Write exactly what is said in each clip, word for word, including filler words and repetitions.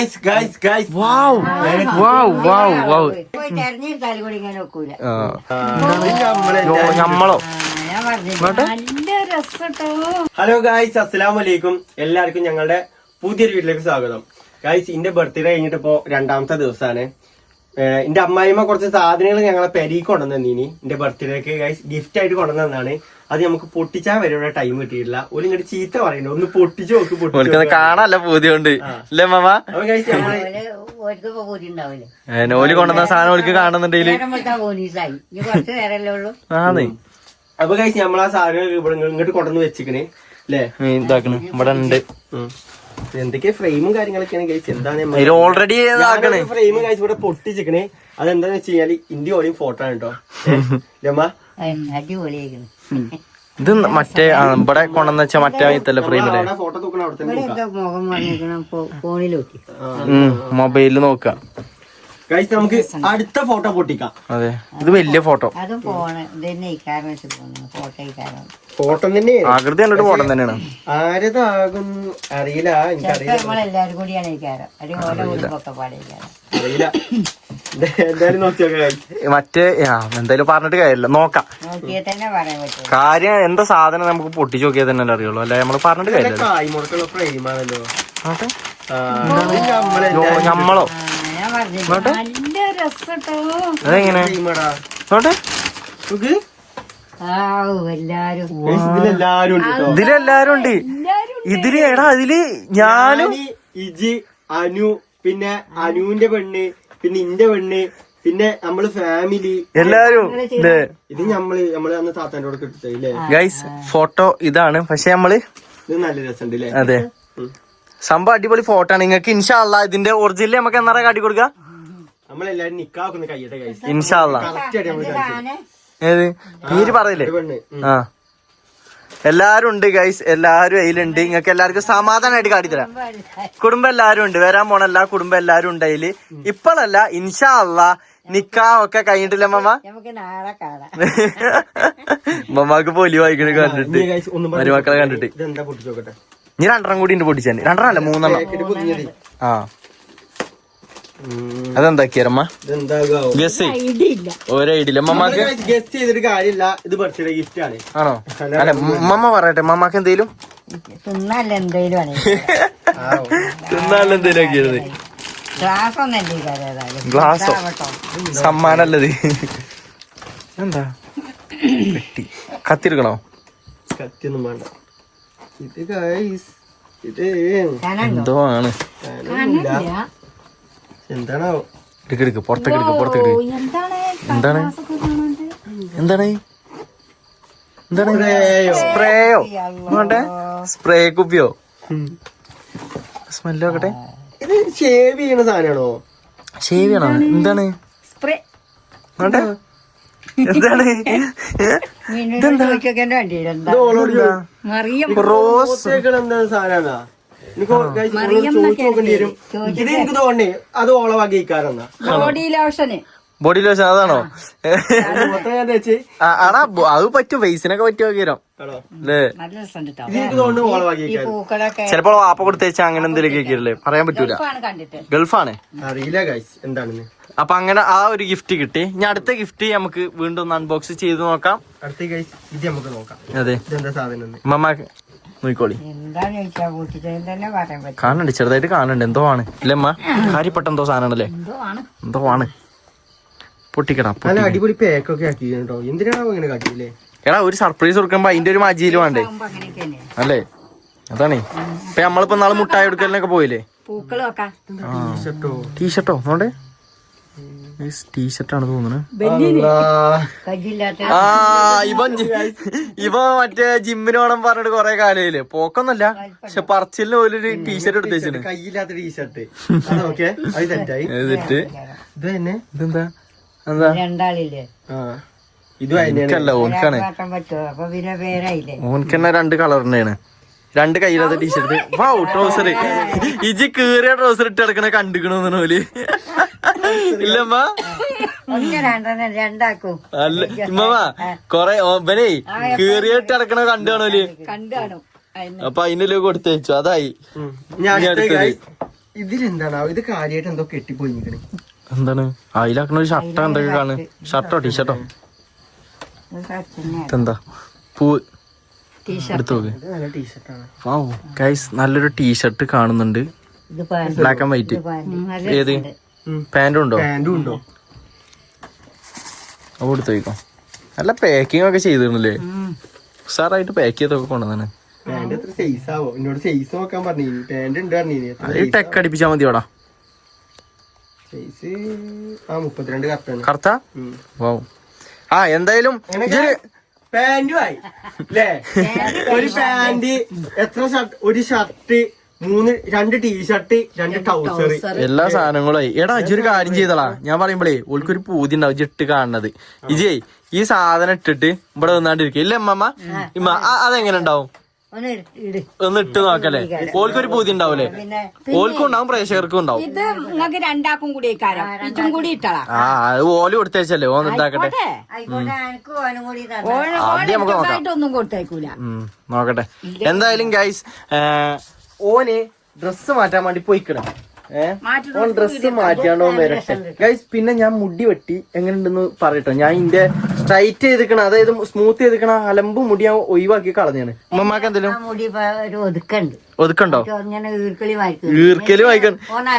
Guys, guys. Wow. Wow, wow, wow. ഞമ്മളോ hello guys, അസ്സലാമു അലൈക്കും. എല്ലാവർക്കും ഞങ്ങളുടെ പുതിയൊരു വീട്ടിലേക്ക് സ്വാഗതം. ഗായ്സ്, എന്റെ ബർത്ത്ഡേ കഴിഞ്ഞിട്ട് ഇപ്പോ രണ്ടാമത്തെ ദിവസമാണ്. എന്റെ അമ്മായിമ്മ കുറച്ച് സാധനങ്ങൾ ഞങ്ങളെ പെരീക്ക് കൊണ്ടുവന്നീനി എന്റെ ബർത്ത്ഡേക്ക്. ഗായ്സ്, ഗിഫ്റ്റ് ആയിട്ട് കൊണ്ടുവന്നതാണ്. അത് നമുക്ക് പൊട്ടിച്ചാൽ വരെ ടൈം കിട്ടിയിട്ടില്ല. ഒരു ഇങ്ങോട്ട് ചീത്ത പറയുന്നുണ്ട്, ഒന്ന് പൊട്ടിച്ചു നോക്ക്. പൊട്ടിച്ചു കാണാനല്ല പൂതിയുണ്ട് അല്ലേ മാമ? അപ്പൊ ഗായ്സ്, നമ്മള് നോലി കൊണ്ടുവന്ന സാധനം ഓൾക്ക് കാണുന്നുണ്ടെങ്കിൽ അപ്പൊ ഗായ്സ്, നമ്മളാ സാധനം ഇവിടെ ഇങ്ങോട്ട് കൊണ്ടുവന്ന് വെച്ചിക്കണേ അല്ലേ, ഇതാക്കണ് ഇവിടെ ഉണ്ട്. എന്തൊക്കെ ഫ്രെയിമും കാര്യങ്ങളൊക്കെയാണ് ഗൈസ്. എന്താണ് ഓൾറെഡി ഫ്രെയിം ഗൈസ് ഇവിടെ പൊട്ടിച്ചിക്കണേ. അതെന്താന്ന് വെച്ച് കഴിഞ്ഞാല് ഇന്ത്യ ഓളിയും ഫോട്ടോ ആണ് കേട്ടോ. ഇത് മറ്റേ ഇവിടെ കൊണ്ടെന്ന് വെച്ചാ മറ്റേ ഇത്തല്ല ഫ്രെയിമില് ഫോട്ടോ നോക്കണം. അവിടെ മൊബൈലില് നോക്കാം ഗൈസ്. നമുക്ക് അടുത്ത ഫോട്ടോ പൊട്ടിക്കാം. അതെ, ഇത് വലിയ ഫോട്ടോ. ഫോട്ടോ തന്നെ ആകൃതി കണ്ടിട്ട് ഫോട്ടോ തന്നെയാണ്. ആരതാകും അറിയില്ല, എനിക്കറിയില്ല. അറിയില്ല, എന്തായാലും നോക്കിയോക്കെ. മറ്റേ എന്തായാലും പറഞ്ഞിട്ട് കാര്യമില്ല, നോക്കാം. കാര്യം എന്താ സാധനം നമുക്ക് പൊട്ടിച്ച് നോക്കിയാൽ തന്നെ അറിയുള്ളൂ, അല്ലെ നമ്മള് പറഞ്ഞിട്ട് കാര്യമില്ല. കായ്മുടക്കുള്ള ഫ്രെയിമാണല്ലോ. ഞമ്മളോ അതെങ്ങനെ നോട്ടെ. ഇതിലെല്ലാരും ഉണ്ട്. ഇതില് എടാ ഇതില് ഞാനും ഇജി, അനു, പിന്നെ അനുവിന്റെ പെണ്ണ്, പിന്നെ ഇന്റെ പെണ്ണ്, പിന്നെ നമ്മള് ഫാമിലി എല്ലാരും. ഇത് നമ്മള് നമ്മള് അന്ന് താത്താന്റെ കൂടെ കിട്ടില്ലേ ഗൈസ്. ഫോട്ടോ ഇതാണ്, പക്ഷെ നമ്മള് ഇത് നല്ല രസമുണ്ട് അല്ലേ? അതെ, സംഭവം അടിപൊളി ഫോട്ടോ ആണ്. നിങ്ങൾക്ക് ഇൻഷാ അള്ളാ ഇതിന്റെ ഒറിജിനൽ നമുക്ക് എന്നാ കാട്ടി കൊടുക്കുക. നമ്മളെല്ലാരും നിക്കാക്കുന്ന കയ്യട്ടെ ഗൈസ്, ഇൻഷാ അള്ളാ. ഏത് പേര് പറയില്ലേ? ആ, എല്ലാരും ഉണ്ട് ഗൈസ്, എല്ലാരും അതിലുണ്ട്. നിങ്ങൾക്ക് എല്ലാവർക്കും സമാധാനമായിട്ട് കാട്ടിത്തരാം. കുടുംബം എല്ലാരും ഉണ്ട്, വരാൻ പോണ എല്ലാ കുടുംബം എല്ലാരും ഉണ്ട് അതില്. ഇപ്പോഴല്ല, ഇൻഷാ അള്ളാ നിക്കാ ഒക്കെ കഴിഞ്ഞിട്ടില്ല മമ്മ. മമ്മക്ക് പൊലി വായിക്കണ കണ്ടിട്ട്, മരുമക്കളെ കണ്ടിട്ട്. ഇനി രണ്ടെണ്ണം കൂടി ഉണ്ട് പൊട്ടിച്ചാൻ. രണ്ടെണ്ണം അല്ല, മൂന്നെണ്ണം. ആ, അതെന്താക്കിയമ്മ? ഗസ് ഒരു ഐഡിയ ഇല്ല മമ്മക്ക്. ഗസ് ചെയ്തിട്ട് കാര്യമില്ല, ഇത് ബർത്ത്ഡേ ഗിഫ്റ്റ് ആണ്. ആണോ? അല്ല മമ്മ പറയട്ടെ, മമ്മക്ക് എന്തേലും തിന്നാല്ല എന്തേലും തിന്നാല്ല എന്തേലും ആക്കിയത്. ഗ്ലാസോ സമ്മാനല്ലത്. എന്താ പെട്ടി? കത്തിരിക്കണോ? കത്തിയൊന്നും വേണ്ട. ഇത് ഗൈസ്, ഇത് എന്തോ ആണ്. എന്താണോ? എടുക്ക് എടുക്ക്, പുറത്തേക്ക് എടുക്ക്, പുറത്തേക്ക് എടുക്ക്. എന്താണ് എന്താണ് എന്താണ്? സ്പ്രേയോ? നോട്ടെ, സ്പ്രേ കുപ്പിയോ? സ്മെല്ല് നോക്കട്ടെ. ഇത് ഷേവ് ചെയ്യണ സാധനമാണോ? ഷേവ് ചെയ്യണോ? എന്താണ് സ്പ്രേ? നോട്ടെ, എന്താണ്? റോസ് എന്താ സാധന? ചോദിച്ചു നോക്കേണ്ടി വരും. ഇത് എനിക്ക് തോന്നേ അത് ഓള വകയിക്കാരെന്നാ. ബോഡി ലോഷന് ബോഡി ലോഷൻ അതാണോ? മൊത്തം ആടാ, അത് പറ്റും, ഫേസിനൊക്കെ പറ്റുമോ കീരം അല്ലേ? ചിലപ്പോ വാപ്പ കൊടുത്തേച്ചാ അങ്ങനെ എന്തെങ്കിലും കേക്കില്ലേ, പറയാൻ പറ്റൂല. ഗൾഫാണ്, അറിയില്ല ഗൈസ് എന്താണെന്ന്. അപ്പൊ അങ്ങനെ ആ ഒരു ഗിഫ്റ്റ് കിട്ടി. ഇനി അടുത്ത ഗിഫ്റ്റ് നമുക്ക് വീണ്ടും ഒന്ന് അൺബോക്സ് ചെയ്ത് നോക്കാം. അടുത്ത ഗൈസ് ഇത് നമുക്ക് നോക്കാം. അതെ, ഇതെന്താ സാധനം മമ്മക്ക് നോക്കിക്കോളി. കാണുന്നുണ്ട്, ചെറുതായിട്ട് കാണുന്നുണ്ട്. എന്തോ ആണ് ഇല്ലേ അമ്മ? കാര്യപ്പെട്ട എന്തോ സാധനമാണല്ലേ? എന്തോ ആണ്. പൊട്ടിക്കടാ. അടിപൊളി പാക്കൊക്കെ ആക്കി കേട്ടോ. എന്തിനാണോ ഇങ്ങനെ കാട്ടിയില്ലേ? എടാ, ഒരു സർപ്രൈസ് കൊടുക്കുമ്പോ അതിന്റെ ഒരു മജിയില് വേണ്ടേ അല്ലേ? അതാണ് ഇപ്പൊ നമ്മളിപ്പോ നാളെ മുട്ടായി എടുക്കലിനൊക്കെ പോയില്ലേ? ടീഷർട്ടോ? നോണ്ടേ, ടീഷർട്ടാണ് തോന്നുന്നത്. ആ, ഇവൻ ഇവ മറ്റേ ജിമ്മിന് വേണം പറഞ്ഞിട്ട് കൊറേ കാലയില്ലേ, പോക്കൊന്നല്ല, പക്ഷെ പറച്ചിലിന് പോലും ഒരു ടീഷർട്ട് എടുത്ത് വെച്ചിട്ട്. കയ്യില്ലാത്ത ടീഷർട്ട്. ഇതെന്താ എന്താ? രണ്ടാളില്ലേ? എനിക്കല്ല, ഓൻക്കാണ്. ഓൻക്കെന്നെ രണ്ട് കളറിന്റെയാണ്. രണ്ട് കയ്യിലാത്ത ടീഷർട്ട്. Wow, trouser. ഇജി കീറിയ ട്രൗസർ ഇട്ട് കിടക്കണ കണ്ടിക്കണോന്ന് പോല് ഇല്ലമ്മ? അല്ല ഇമ്മ, കൊറേ ഓപ്പനേ കീറിയ ഇട്ട് കിടക്കണ കണ്ടു കാണോല്. അപ്പൊ അതിനല്ലേ കൊടുത്തയച്ചു, അതായി. ഇതിലെന്താണ് ഇത് കാര്യമായിട്ട് എന്തോ കെട്ടിപ്പോയി നിക്കണേ. എന്താണ് അതിലാക്കണ ഒരു ഷർട്ടോ എന്തൊക്കെ കാണും? ഷർട്ടോ ടീഷർട്ടോ എന്താ പൂ എടുത്തു നോക്ക്. ഇത് നല്ല ടീഷർട്ടാണ്. വാ ഗൈസ് നല്ലൊരു ടീഷർട്ട് കാണുന്നുണ്ട്, ബ്ലാക്ക് ആൻഡ് വൈറ്റ്. ഏത് പാന്റും ഉണ്ടോ? പാന്റും ഉണ്ടോ? അത് കൊടുത്തു വയ്ക്കോ. നല്ല പാക്കിംഗ് ഒക്കെ ചെയ്തിരുന്നില്ലേ? ഉസാറായിട്ട് പാക്ക് ചെയ്തൊക്കെ കൊണ്ടുവന്നാണ്. പാന്റ് എത്ര സൈസ് ആവോ? എന്നോട് സൈസ് നോക്കാൻ പറഞ്ഞു. പാന്റ് ഉണ്ട് പറഞ്ഞു. ടെക്ക് അടിപ്പിച്ചാ മതിയോടാ. സൈസ് ആ മുപ്പത്തിരണ്ട് കറക്റ്റാണ്. കറക്റ്റാ? വാ ആ എന്തായാലും പാന്റും ആയി അല്ലേ? ഒരു പാന്റ്, എത്ര ഷർട്ട്, ഒരു ഷർട്ട്, മൂന്ന് രണ്ട് ടീഷർട്ട്, രണ്ട് ട്രൗസർ, എല്ലാ സാധനങ്ങളും. എടാ ഇജൊരു കാര്യം ചെയ്തോളാ. ഞാൻ പറയുമ്പോഴേ ഓൾക്കൊരു പൂതി ഉണ്ടാവും ഇജ്ജ് ഇട്ട് കാണുന്നത്. ഇജേ ഈ സാധനം ഇട്ടിട്ട് ഇവിടെ വന്നാണ്ടിരിക്കും ഇല്ലേ അമ്മമ്മ? ഇമ്മ അതെങ്ങനെ ഉണ്ടാവും? ഒന്ന് ഇട്ട് നോക്കല്ലേ? ഓൾക്കൊരു പൂതി ഉണ്ടാവൂലേ? ഓൾക്കും ഉണ്ടാവും, പ്രേക്ഷകർക്കും ഉണ്ടാവും. ഇത് നിങ്ങൾക്ക് രണ്ടാക്കും കൂടി ഇതും കൂടി ഇട്ടളാ. ആ അത് ഓല് കൊടുത്തേച്ചല്ലേ? ഓന്ന് ഇതാക്കട്ടെ. ആദ്യം നമുക്ക് നോക്കാം. ഒന്നും കൊടുത്തേക്കൂല. ഉം നോക്കട്ടെ. എന്തായാലും ഗൈസ് ഓന് ഡ്രസ്സ് മാറ്റാൻ വേണ്ടി പോയിക്കണം. ഏഹ് ഓൻ ഡ്രസ്സ് മാറ്റാണ്ടോ വരട്ടെ ഗൈസ്. പിന്നെ ഞാൻ മുടി വെട്ടി എങ്ങനെയുണ്ടെന്ന് പറയട്ടോ. ഞാൻ ഇന്റെ സ്ട്രൈറ്റ് ചെയ്തിക്കണ, അതായത് സ്മൂത്ത് ചെയ്തിക്കണ അലമ്പ് മുടി ഞാൻ ഒഴിവാക്കി കളഞ്ഞാണ്. ഉമ്മമാക്ക് എന്തെങ്കിലും ഒതുക്കണ്ടോ? ഈർക്കല് വായിക്കാൻ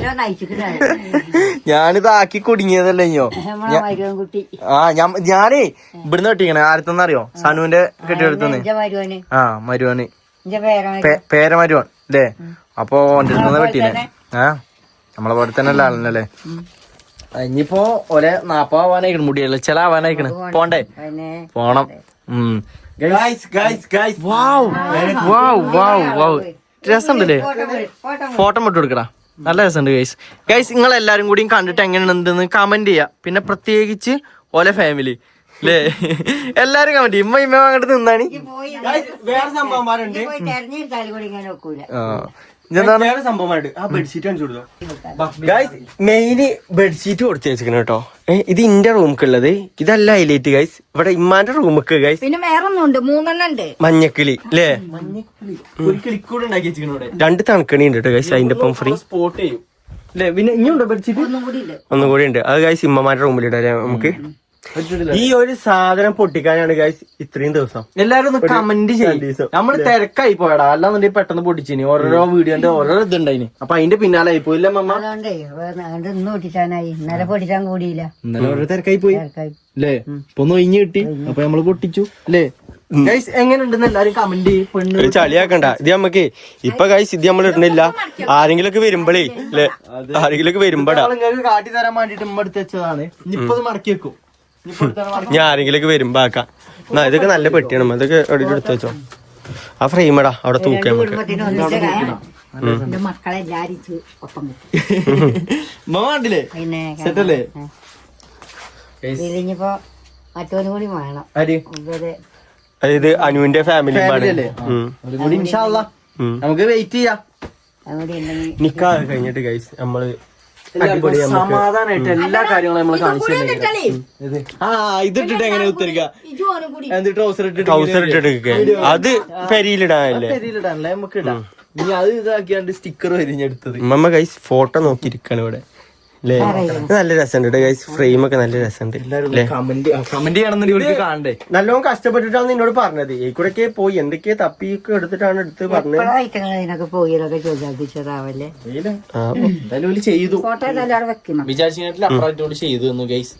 ഞാനിത് ആക്കി കുടുങ്ങിയതല്ലേ ഇഞ്ഞോ. ആ ഞാൻ ഞാനേ ഇവിടുന്ന് വെട്ടിക്കണേ. ആരത്തെന്നറിയോ? സനുവിന്റെ കെട്ടിയെടുത്തുനിന്ന്. ആ മരുവന് പേരമരുവൻ അല്ലേ? അപ്പൊ ഓന്റെ അടുത്തുനിന്ന് വെട്ടീനെ. ആ നമ്മളെ പോലെ തന്നെ അല്ല ആളല്ലേ. ഇനിയിപ്പോ ഒരേ നാപ്പാവാനായിക്കണ്, മുടിയല്ല ചില ആവാനായിക്കണ്. പോണ്ടേ? പോണം. ഉം രസമുണ്ടല്ലേ? ഫോട്ടോ ഇട്ട് കൊടുക്കടാ. നല്ല രസമുണ്ട് ഗൈസ്. ഗൈസ് നിങ്ങൾ എല്ലാരും കൂടിയും കണ്ടിട്ട് എങ്ങനെയുണ്ടെന്ന് കമന്റ് ചെയ്യാ. പിന്നെ പ്രത്യേകിച്ച് ഓലെ ഫാമിലി അല്ലേ, എല്ലാരും കമന്റ് ചെയ്യും. ഇമ്മ ഇമ്മ അങ്ങോട്ട് നിന്നാണ്. വേറെ സംഭവന്മാരുണ്ട്. വേറെ സംഭവമായിട്ട് ആ ബെഡ്ഷീറ്റ് കാണിച്ചു കൊടുത്തോ. ഗൈസ് മെയിന് ബെഡ്ഷീറ്റ് കൊടുത്തു വെച്ചിരിക്കണ കേട്ടോ. ഇത് ഇന്റെ റൂമിക്കുള്ളത്. ഇതല്ല ഹൈലൈറ്റ് ഗൈസ്. ഇവിടെ ഇമ്മാന്റെ റൂമിക്ക് ഗൈസ് പിന്നെ വേറൊന്നും ഉണ്ട്, മൂന്നെണ്ണം ഉണ്ട്. മഞ്ഞക്കിളി അല്ലേ? ഒരു കിളിക്കൂടെ ഉണ്ടാക്കി വെച്ചിരിക്കണ. രണ്ട് തണുക്കണി ഉണ്ട് കേട്ടോ ഗൈസ്. അതിന്റെ ഒപ്പം ഫ്രീ സ്പോട്ട് ചെയ്യും അല്ലേ? പിന്നെ ഇനിയുണ്ടോ ബെഡ്ഷീറ്റ്? ഒന്നും കൂടി ഉണ്ട്. അത് ഗൈസ് ഇമ്മമാരുടെ റൂമിലിടാം നമുക്ക്. ഈ ഒരു സാധനം പൊട്ടിക്കാനാണ് ഗൈസ് ഇത്രയും ദിവസം. എല്ലാരും ഒന്ന് കമന്റ് ചെയ്യും. നമ്മള് തിരക്കായി പോയടാ, അല്ലാന്നുണ്ടെങ്കിൽ പെട്ടെന്ന് പൊട്ടിച്ചിനി. ഓരോരോ വീഡിയോന്റെ ഓരോ ഇതുണ്ടായിന്. അപ്പൊ അതിന്റെ പിന്നാലെ ആയി പോയില്ല മമ്മ. ഇന്ന് പൊട്ടിച്ചാനായി, ഇന്നലെ പൊട്ടിച്ചാൻ കൂടിയില്ല. ഇന്നലെ ഓരോ തിരക്കായി പോയി അല്ലേ? ഇപ്പൊ ഒന്ന് ഒഴിഞ്ഞു കിട്ടി, അപ്പൊ നമ്മള് പൊട്ടിച്ചു അല്ലേ? ഗൈസ് എങ്ങനെയുണ്ടെന്ന് എല്ലാരും കമന്റ് ചെയ്യും. ചളിയാക്കണ്ട. ഇത് നമ്മക്ക് ഇപ്പൊ ഗൈസ് ഇത് നമ്മൾ ഇടുന്നില്ല. ആരെങ്കിലും ഒക്കെ വരുമ്പോഴേ അല്ലെ, ആരെങ്കിലും ഒക്കെ വരുമ്പോടാ കാട്ടി തരാൻ വേണ്ടിട്ട് ഉമ്മ എടുത്ത് വെച്ചതാണ്. ഇനിയിപ്പോ ഇത് മടക്കി വെക്കും. ഞാൻ ആരെങ്കിലും വരുമ്പോ ആക്കാം. എന്നാ ഇതൊക്കെ നല്ല പെട്ടിയാണ്. ഇതൊക്കെ എവിടെ എടുത്ത് വെച്ചോ. ആ ഫ്രെയിമടാ അവിടെ തൂക്കാം നമുക്ക്. മക്കളെല്ലാരും ഒപ്പം കണ്ടില്ലേ? സെറ്റല്ലേ? ഇനിയിപ്പോ മറ്റോനും കൂടി വേണം. അതായത് അനുവിന്റെ ഫാമിലി നമുക്ക് വെയിറ്റ് ചെയ്യാം. നിക്കാഹ് കഴിഞ്ഞിട്ട് ഗൈസ് നമ്മള് സമാധാനായിട്ട് എല്ലാ കാര്യങ്ങളും നമ്മള് കാണിച്ചു. ആ ഇതിട്ടിട്ട് എങ്ങനെ ഉത്തരിക്ക? ട്രൗസർ ട്രൗസർ ഇട്ടിട്ട് അത് പെരിയിലിടാനല്ലേ? പെരിയിലിടാനല്ലേ? നമുക്ക് ഇടാം. ഇനി അത് ഇതാക്കിയാണ്ട് സ്റ്റിക്കർ വരിഞ്ഞെടുത്തത്. ഉമ്മ ഗൈസ് ഫോട്ടോ നോക്കിയിരിക്കാണ് ഇവിടെ അല്ലേ? നല്ല രസമുണ്ട് ഗൈസ്. ഫ്രെയിം ഒക്കെ നല്ല രസമുണ്ട്. കമന്റ് ചെയ്യണമെന്ന് ഇവർക്ക് കാണണ്ടേ? നല്ലോണം കഷ്ടപ്പെട്ടിട്ടാണ് നിന്നോട് പറഞ്ഞത്. ഈ കൂടെ പോയി എന്തൊക്കെയോ തപ്പിയൊക്കെ എടുത്തിട്ടാണ് എടുത്ത് പറഞ്ഞത്. ചെയ്തു വിചാരിച്ചിട്ട് ചെയ്തു ഗൈസ്.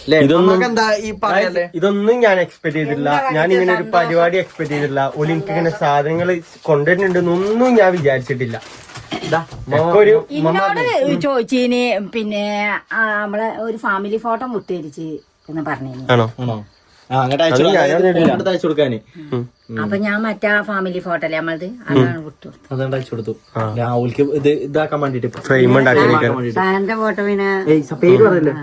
ഇതൊന്നും ഞാൻ എക്സ്പെക്ട് ചെയ്തിട്ടില്ല. ഞാൻ ഇങ്ങനെ ഒരു പരിപാടി എക്സ്പെക്ട് ചെയ്തിട്ടില്ല. ഒരു എനിക്ക് ഇങ്ങനെ സാധനങ്ങൾ കൊണ്ടുവരുന്നുണ്ടെന്നൊന്നും ഞാൻ വിചാരിച്ചിട്ടില്ല. എന്നോട് ചോദിച്ചിന് പിന്നെ നമ്മളെ ഒരു ഫാമിലി ഫോട്ടോ മുട്ടേരിച്ച് എന്ന് പറഞ്ഞു. ആണോ? അപ്പൊ ഞാൻ മറ്റേ ഫാമിലി ഫോട്ടോ അല്ലേ നമ്മളത്, അതാണ് വിട്ടു. അതുകൊണ്ട് അയച്ചു കൊടുത്തു. രാഹുൽക്ക് ഇത് ഇതാക്കാൻ വേണ്ടിട്ട് ഫ്രെയിം സാറിന്റെ ഫോട്ടോ പിന്നെ പേര് പറയല്ലേ?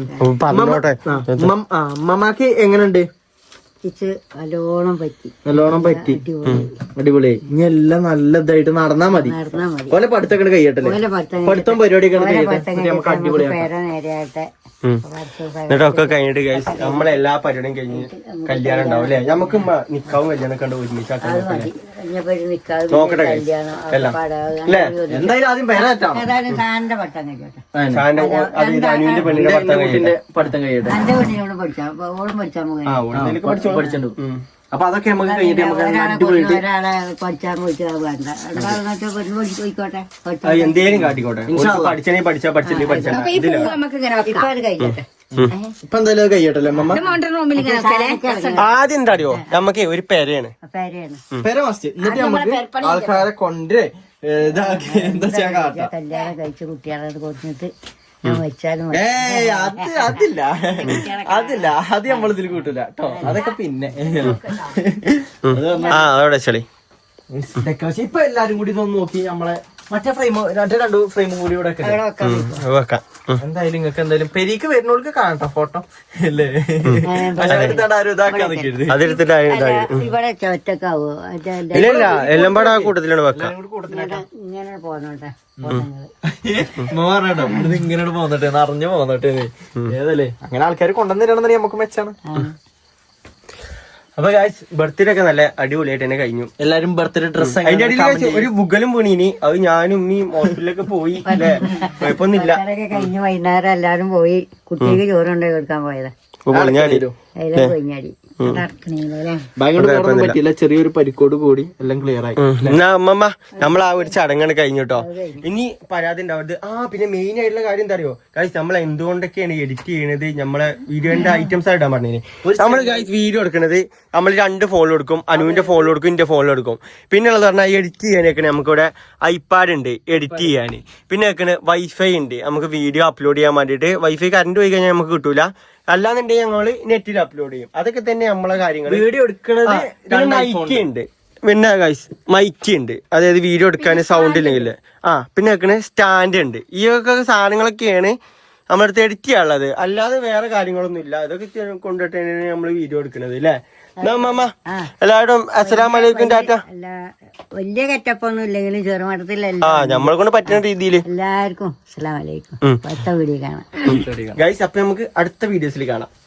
മമ്മാക്ക് എങ്ങനെയുണ്ട്? നല്ലോണം പറ്റി നല്ലോണം പറ്റി അടിപൊളി. ഇനി എല്ലാം നല്ല ഇതായിട്ട് നടന്നാ മതി. ഓലെ പഠിത്തൊക്കെ കഴിയട്ടല്ലേ? പഠിത്തം പരിപാടിയൊക്കെ നമുക്ക് അടിപൊളിയാക്കാം. എന്നിട്ടൊക്കെ കഴിഞ്ഞിട്ട് ഗൈസ് നമ്മളെല്ലാ പരിപാടിയും കഴിഞ്ഞ് കല്യാണം ഉണ്ടാവും അല്ലെ? നമുക്ക് നിക്കാവും കല്യാണം കണ്ട് ഒരുമിച്ചാക്കാൻ നോക്കട്ടെ ഗൈസ് എല്ലാം അല്ലേ? എന്തായാലും ആദ്യം പേരാറ്റാണ് അത് അനുവിന്റെ പെണ്ണിന്റെ ഭർത്താവ് കഴിയട്ടെ. പഠിത്തം കഴിയട്ടെ. ആ ഓടുന്നതിലേക്ക് പഠിച്ചോളൂ. പഠിച്ചിട്ടുണ്ട്. അപ്പൊ അതൊക്കെ നമുക്ക് കഴിഞ്ഞിട്ട് നമുക്ക് അടിപൊളിയായിട്ട് അത് എന്തേലും കാട്ടിക്കോട്ടെ. പഠിച്ചണേ പഠിച്ചാ പഠിച്ചില്ലേ പഠിച്ചാ ഇതില്ല. ഇപ്പൊ എന്തായാലും കഴിയട്ടല്ലേ അമ്മ? ആദ്യം എന്താ അറിയോ, നമുക്ക് ഒരു പെരയാണ് പേര മസ്റ്റ്. എന്നിട്ട് നമുക്ക് ആൾക്കാരെ കൊണ്ട് ഇതാക്കി എന്താ ചെയ്യാൻ കാട്ടാം. കല്യാണം കഴിച്ച് കുട്ടികളെ കൊടുത്തിട്ട് ഏയ് അത് അതില്ല അതില്ല അത് നമ്മളിതിൽ കൂട്ടില്ല കേട്ടോ. അതൊക്കെ പിന്നെ ആ അതോടെ ചെളി ഡെക്കറേഷൻ ഇപ്പൊ എല്ലാരും കൂടി ഇതൊന്ന് നോക്കി നമ്മളെ മറ്റേ ഫ്രെയിം മറ്റേ രണ്ടു ഫ്രെയിമും കൂടി ഇവിടെ വെക്കാം. എന്തായാലും നിങ്ങൾക്ക് എന്തായാലും പെരീക്ക് വരുന്നവർക്ക് കാണട്ടോ ഫോട്ടോ അല്ലേ? എടുത്താണ്ട് ആരും ഇതാക്കാൻ നിൽക്കരുത്. അതെടുത്തിട്ട് ഇവിടെ ഒറ്റക്കാവോ? ഇല്ല ഇല്ല എല്ലാം പാടെ ആ കൂട്ടത്തിലാണ് വെക്കാം. ഇങ്ങനെ പോന്നോട്ടെ പറഞ്ഞോ ഇത് ഇങ്ങനെ പോന്നിട്ടെ അറിഞ്ഞു പോന്നിട്ടെ ഏതല്ലേ? അങ്ങനെ ആൾക്കാർ കൊണ്ടുവന്നിരണമെന്ന് നമുക്ക് മെച്ചാണ്. അപ്പൊ ഗായ്സ് ബർത്ത്ഡേ ഒക്കെ നല്ല അടിപൊളിയായിട്ട് തന്നെ കഴിഞ്ഞു. എല്ലാരും ബർത്ത്ഡേ ഡ്രസ് അതിന്റെ ഇടയിൽ ഒരു ബുഗലും വീണീനി. അത് ഞാനും ഉമ്മയും ഹോസ്പിറ്റലിലൊക്കെ പോയി അല്ലേ? കുഴപ്പമൊന്നുമില്ല. കഴിഞ്ഞ് വൈകുന്നേരം എല്ലാരും പോയി കുട്ടിക്ക് ചോറുണ്ടായി കൊടുക്കാൻ പോയതാ. പൊളിഞ്ഞാടി അതിലും കൊഞ്ഞാടി നടക്കണേലേ. ഭയങ്കര പറ്റിയില്ല. ചെറിയൊരു പരിക്കോട് കൂടി എല്ലാം ക്ലിയർ ആയി. എന്നാ അമ്മമ്മ നമ്മൾ ആ ഒരു ചടങ്ങാണ് കഴിഞ്ഞു കേട്ടോ. ഇനി പരാതി ഉണ്ടാവരുത്. ആ പിന്നെ മെയിൻ ആയിട്ടുള്ള കാര്യം എന്താ അറിയോ ഗൈസ്, നമ്മൾ എന്തുകൊണ്ടൊക്കെയാണ് എഡിറ്റ് ചെയ്യണത്, നമ്മളെ വീഡിയോന്റെ ഐറ്റംസ് ആയിട്ടാ പറഞ്ഞത്. നമ്മൾ ഗൈസ് വീഡിയോ എടുക്കണത് നമ്മൾ രണ്ട് ഫോണിൽ കൊടുക്കും. അനുവിന്റെ ഫോണിൽ കൊടുക്കും, എന്റെ ഫോണിൽ കൊടുക്കും. പിന്നെ ഉള്ളത് പറഞ്ഞാൽ എഡിറ്റ് ചെയ്യാനൊക്കെ നമുക്കിവിടെ ഐപാഡ് ഉണ്ട് എഡിറ്റ് ചെയ്യാൻ. പിന്നെ വെക്കണ വൈഫൈ ഉണ്ട്, നമുക്ക് വീഡിയോ അപ്ലോഡ് ചെയ്യാൻ വേണ്ടിയിട്ട്. വൈഫൈ കറണ്ട് പോയി കഴിഞ്ഞാൽ നമുക്ക് കിട്ടൂല. അല്ലാന്നുണ്ടെങ്കിൽ ഞങ്ങള് നെറ്റിൽ അപ്ലോഡ് ചെയ്യും. അതൊക്കെ തന്നെ നമ്മളെ കാര്യങ്ങൾ. വീഡിയോ എടുക്കണത് മൈക്ക് ഉണ്ട്, പിന്നെ ഗൈസ് മൈക്ക് ഉണ്ട്, അതായത് വീഡിയോ എടുക്കാൻ സൗണ്ട് ഇല്ലെങ്കിൽ. ആ പിന്നെ വെക്കണ സ്റ്റാൻഡ് ഉണ്ട്. ഈ ഒക്കെ സാധനങ്ങളൊക്കെയാണ് നമ്മുടെ അടുത്ത് എഡിറ്റ് ചെയ്യാനുള്ളത്. അല്ലാതെ വേറെ കാര്യങ്ങളൊന്നും ഇല്ല. അതൊക്കെ കൊണ്ടിട്ടാണ് നമ്മൾ വീഡിയോ എടുക്കണത് അല്ലേ? അമ്മ എല്ലാവരും അസ്സലാമലൈക്കും ടാറ്റ. വലിയ കെറ്റപ്പൊന്നും ഇല്ലെങ്കിലും ചെറുമട്ടത്തിലല്ല. ആ നമ്മളെ കൊണ്ട് പറ്റുന്ന രീതിയിൽ എല്ലാവർക്കും അസ്സലാമലൈക്കും. അടുത്ത വീഡിയോ കാണാം ഗൈസ്. അപ്പൊ നമുക്ക് അടുത്ത വീഡിയോസിൽ കാണാം.